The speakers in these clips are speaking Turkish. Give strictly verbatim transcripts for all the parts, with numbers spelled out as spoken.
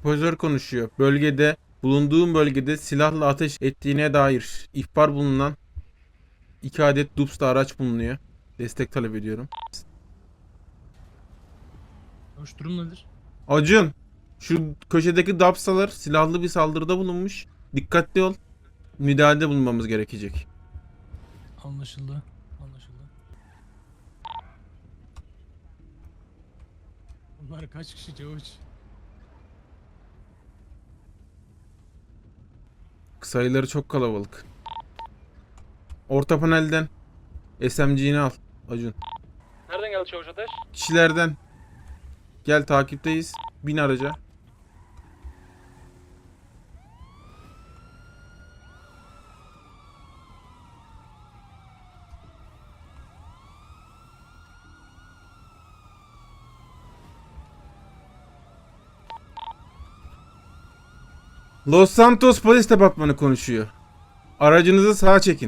Hoparlör konuşuyor. Bölgede, bulunduğum bölgede silahla ateş ettiğine dair ihbar bulunan iki adet Dups'ta araç bulunuyor. Destek talep ediyorum. Hoş durum nedir? Acun, şu köşedeki Dups'talar silahlı bir saldırıda bulunmuş. Dikkatli ol. Müdahalede bulunmamız gerekecek. Anlaşıldı. Anlaşıldı. Bunlar kaç kişi Çavuş? Sayıları çok kalabalık. Orta panelden S M G'ni al Acun. Nereden geldi Çavuş Ateş? Kişilerden gel, takipteyiz. Bin araca. Los Santos Polis Departmanı konuşuyor. Aracınızı sağa çekin.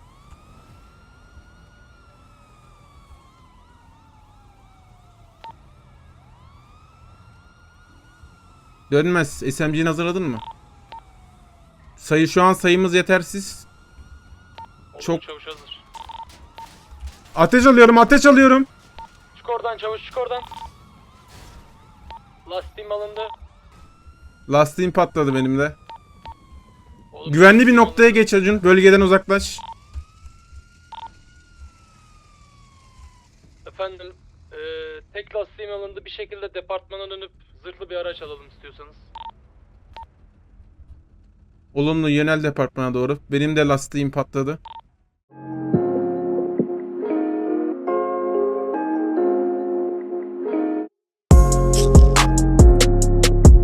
Dönmez. S M G'ni hazırladın mı? Sayı şu an sayımız yetersiz. Oldu, Çok- Çavuş hazır. Ateş alıyorum, ateş alıyorum. Çık oradan Çavuş, çık oradan. Lastiğim alındı. Lastiğim patladı benim de. Oğlum, Güvenli bir lastiğim noktaya alındı. geç Acun. Bölgeden uzaklaş. Efendim, eee tek lastiğim alındı. Bir şekilde departmana dönüp zırhlı bir araç alalım istiyorsanız. Olumlu, yönel departmana doğru. Benim de lastiğim patladı.